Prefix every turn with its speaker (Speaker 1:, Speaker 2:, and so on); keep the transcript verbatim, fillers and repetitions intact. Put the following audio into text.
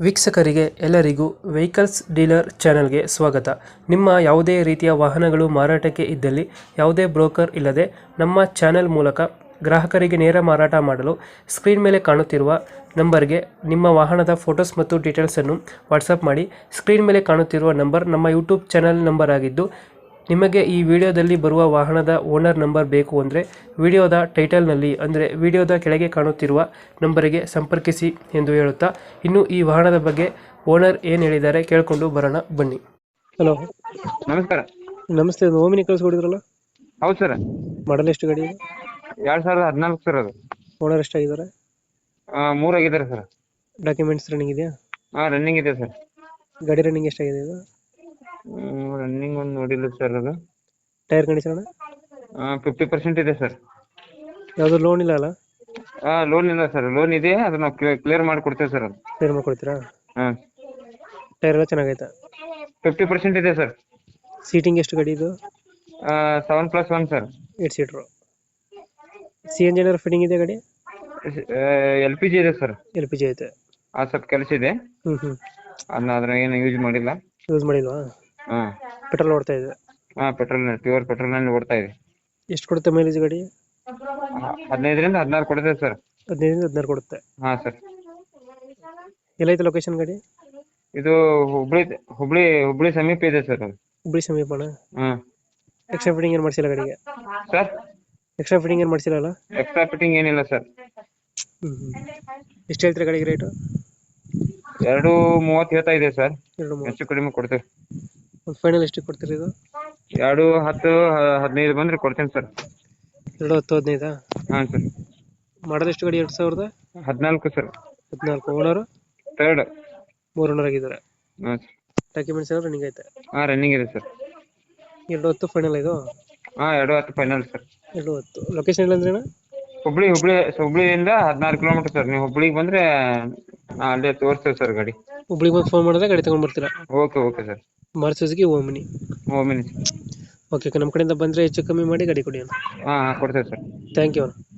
Speaker 1: ವೀಕ್ಷಕರಿಗೆ ಎಲ್ಲರಿಗೂ vehicles dealer ಚಾನೆಲ್ಗೆ ಸ್ವಾಗತ. ನಿಮ್ಮ ಯಾವುದೇ ರೀತಿಯ ವಾಹನಗಳು ಮಾರಾಟಕ್ಕೆ ಇದ್ದಲ್ಲಿ ಯಾವುದೇ ಬ್ರೋಕರ್ ಇಲ್ಲದೆ ನಮ್ಮ ಚಾನೆಲ್ ಮೂಲಕ ಗ್ರಾಹಕರಿಗೆ ನೇರ ಮಾರಾಟ ಮಾಡಲು ಸ್ಕ್ರೀನ್ ಮೇಲೆ ಕಾಣುತ್ತಿರುವ ನಂಬರ್ಗೆ ನಿಮ್ಮ ವಾಹನದ ಫೋಟೋಸ್ ಮತ್ತು ಡೀಟೇಲ್ಸನ್ನು ವಾಟ್ಸಪ್ ಮಾಡಿ. ಸ್ಕ್ರೀನ್ ಮೇಲೆ ಕಾಣುತ್ತಿರುವ ನಂಬರ್ ನಮ್ಮ ಯೂಟ್ಯೂಬ್ ಚಾನೆಲ್ ನಂಬರ್ ಆಗಿದ್ದು, ನಿಮಗೆ ಈ ವಿಡಿಯೋದಲ್ಲಿ ಬರುವ ವಾಹನದ ಓನರ್ ನಂಬರ್ ಬೇಕು ಅಂದರೆ ವಿಡಿಯೋದ ಟೈಟಲ್ನಲ್ಲಿ ಅಂದರೆ ವಿಡಿಯೋದ ಕೆಳಗೆ ಕಾಣುತ್ತಿರುವ ನಂಬರಿಗೆ ಸಂಪರ್ಕಿಸಿ ಎಂದು ಹೇಳುತ್ತಾ, ಇನ್ನು ಈ ವಾಹನದ ಬಗ್ಗೆ ಓನರ್ ಏನು ಹೇಳಿದ್ದಾರೆ ಕೇಳಿಕೊಂಡು ಬರೋಣ ಬನ್ನಿ. ಹಲೋ,
Speaker 2: ನಮಸ್ಕಾರ.
Speaker 1: ನಮಸ್ತೆ. ಒಂದು ಓಮಿನಿ ಕಳಿಸ್ಕೊಡಿದ್ರಲ್ಲ,
Speaker 2: ಹೌದು ಸರ್.
Speaker 1: ಮಾಡಲ್ ಎಷ್ಟು ಗಾಡಿ?
Speaker 2: ಎರಡ್ ಸಾವಿರದ ಹದಿನಾಲ್ಕು ಸರ್. ಅದು
Speaker 1: ಓನರ್ ಎಷ್ಟಾಗಿದ್ದಾರೆ?
Speaker 2: ಮೂರ್ ಆಗಿದ್ದಾರೆ ಸರ್.
Speaker 1: ಡಾಕ್ಯುಮೆಂಟ್ಸ್ ರನ್ನಿಂಗ್ ಇದೆಯಾ?
Speaker 2: ಹಾ, ರನ್ನಿಂಗ್ ಇದೆ ಸರ್.
Speaker 1: ಗಾಡಿ ರನ್ನಿಂಗ್ ಎಷ್ಟಾಗಿದೆ ಇದು?
Speaker 2: ರನ್ನಿಂಗ್ ಒಂದು ನೋಡಿಲ್ಲ ಸರ್. ಅದು
Speaker 1: ಟೈರ್ ಕಂಡೀಷನ್
Speaker 2: ಫಿಫ್ಟಿ ಪರ್ಸೆಂಟ್ ಇದೆ ಸರ್.
Speaker 1: ಯಾವುದು ಲೋನ್ ಇಲ್ಲ ಅಲ್ಲ?
Speaker 2: ಹಾ, ಲೋನ್ ಇಲ್ಲ ಸರ್. ಲೋನ್ ಇದೆ, ಅದು ನಾವು ಕ್ಲಿಯರ್ ಮಾಡಿ ಕೊಡ್ತೇವೆ ಸರ್. ಅದು
Speaker 1: ಕ್ಲಿಯರ್ ಮಾಡ್ಕೊಡ್ತೀರಾ?
Speaker 2: ಹಾ,
Speaker 1: ಟೈರ್ ಎಲ್ಲ ಚೆನ್ನಾಗೈತೆ?
Speaker 2: ಫಿಫ್ಟಿ ಪರ್ಸೆಂಟ್ ಇದೆ ಸರ್.
Speaker 1: ಸೀಟಿಂಗ್ ಎಷ್ಟು ಗಾಡಿ ಇದು?
Speaker 2: Seven plus one sir.
Speaker 1: Eight seater. C N G ಏನಾದ್ರು ಫಿಟ್ಟಿಂಗ್ ಇದೆ ಗಾಡಿ?
Speaker 2: ಎಲ್ ಪಿ ಜಿ ಇದೆ ಸರ್.
Speaker 1: ಎಲ್ ಪಿ ಜಿ ಐತೆ?
Speaker 2: ಆ ಸ್ವಲ್ಪ ಕೆಲಸ ಇದೆ,
Speaker 1: ಹ್ಞೂ ಹ್ಞೂ
Speaker 2: ಅದನ್ನ ಅದ್ರ ಏನು ಯೂಸ್ ಮಾಡಿಲ್ಲ.
Speaker 1: ಯೂಸ್ ಮಾಡಿಲ್ವಾ?
Speaker 2: ಹಾ
Speaker 1: ಪೆಟ್ರೋಲ್ ಓಡ್ತಾ ಇದೆ?
Speaker 2: ಹಾ, ಪೆಟ್ರೋಲ್ ಪ್ಯೂರ್ ಪೆಟ್ರೋಲ್ ನಲ್ಲಿ ಓಡ್ತಾ ಇದೆ.
Speaker 1: ಎಷ್ಟು ಕೊಡುತ್ತೆ ಮೈಲೇಜ್ ಗಾಡಿ?
Speaker 2: ಹದಿನೈದರಿಂದ ಹದಿನಾರು ಕೊಡುತ್ತೆ ಸರ್.
Speaker 1: ಹದಿನೈದರಿಂದ ಹದಿನಾರು ಕೊಡುತ್ತೆ.
Speaker 2: ಹಾ ಸರ್.
Speaker 1: ಎಲ್ಲೈತೆ ಲೊಕೇಶನ್ ಗಾಡಿ?
Speaker 2: ಇದು ಹುಬ್ಳಿ ಹುಬ್ಳಿ ಹುಬ್ಳಿ ಸಮೀಪ ಇದೆ ಸರ್. ಅದು
Speaker 1: ಹುಬ್ಳಿ ಸಮೀಪನ?
Speaker 2: ಹ್ಮ್.
Speaker 1: ಎಕ್ಸ್ಟ್ರಾ ಫಿಟ್ಟಿಂಗ್ ಏನು ಮಾಡಿಸಿಲ್ಲ ಗಾಡಿಗೆ?
Speaker 2: ಸರ್,
Speaker 1: ಎಕ್ಸ್ಟ್ರಾ ಫಿಟ್ಟಿಂಗ್ ಏನು ಮಾಡಿಸಿಲ್ಲ?
Speaker 2: ಎಕ್ಸ್ಟ್ರಾ ಫಿಟ್ಟಿಂಗ್ ಏನಿಲ್ಲ ಸರ್.
Speaker 1: ಹ್ಞೂ ಹ್ಞೂ ಎಷ್ಟು ಹೇಳ್ತೀರಾ ಗಾಡಿಗೆ ರೇಟು?
Speaker 2: ಎರಡು ಮೂವತ್ತು ಹೇಳ್ತಾ ಇದೆ ಸರ್.
Speaker 1: ಎರಡು ಮೂವತ್ತು.
Speaker 2: ಹೆಚ್ಚು ಕಡಿಮೆ ಕೊಡ್ತೇವೆ.
Speaker 1: ಒಂದು ಫೈನಲ್ ಎಷ್ಟು ಕೊಡ್ತೀರಿ ಇದು?
Speaker 2: ಎರಡು ಹತ್ತು ಹದಿನೈದು ಬಂದ್ರೆ ಕೊಡ್ತೇನೆ ಸರ್.
Speaker 1: ಎರಡು ಹತ್ತು ಹದಿನೈದಾ?
Speaker 2: ಹಾಂ ಸರ್.
Speaker 1: ಮಾಡಲ್ ಎಷ್ಟು ಗಾಡಿ? ಎರಡು ಸಾವಿರದ
Speaker 2: ಹದಿನಾಲ್ಕು ಸರ್.
Speaker 1: ಹದಿನಾಲ್ಕು. Owner
Speaker 2: third.
Speaker 1: ಮೂರು ಓನರ್ ಆಗಿದ್ದಾರೆ.
Speaker 2: ಹಾಂ ಸರ್.
Speaker 1: ಡಾಕ್ಯುಮೆಂಟ್ಸ್ ಎಲ್ಲ ರನ್ನಿಂಗ್ ಐತೆ?
Speaker 2: ಹಾಂ, ರನ್ನಿಂಗ್ ಇದೆ ಸರ್.
Speaker 1: ಎರಡು ಹತ್ತು ಫೈನಲ್ ಇದು?
Speaker 2: ಹಾಂ, ಎರಡು ಹತ್ತು ಫೈನಲ್ ಸರ್.
Speaker 1: ಎರಡು ಹತ್ತು. ಲೊಕೇಶನ್ ಇಲ್ಲ ಅಂದ್ರೆ?
Speaker 2: ಹುಬ್ಳಿ ಹುಬ್ಳಿ ಹುಬ್ಳಿಯಿಂದ ಹದಿನಾರು ಕಿಲೋಮೀಟರ್ ಸರ್. ನೀವು ಹುಬ್ಳಿಗೆ ಬಂದ್ರೆ ಅಲ್ಲೇ ತೋರಿಸ್ತೇವೆ ಸರ್ ಗಾಡಿ.
Speaker 1: ಹುಬ್ಳಿಗೆ ಬಂದು ಫೋನ್ ಮಾಡಿದ್ರೆ ಗಾಡಿ ತಗೊಂಡ್ ಬರ್ತೀರಾ?
Speaker 2: Okay okay sir.
Speaker 1: ಮಾರ್ಚಸ್ಗೆ ಓಮಿನಿ.
Speaker 2: ಓಮಿನಿ.
Speaker 1: ಓಕೆ, ನಮ್ಮ ಕಡೆಯಿಂದ ಬಂದರೆ ಹೆಚ್ಚು ಕಮ್ಮಿ ಮಾಡಿ ಗಾಡಿ ಕೊಡಿ.
Speaker 2: ಹಾಂ ಹಾಂ, ಕೊಡ್ತೇವೆ ಸರ್.
Speaker 1: Thank you.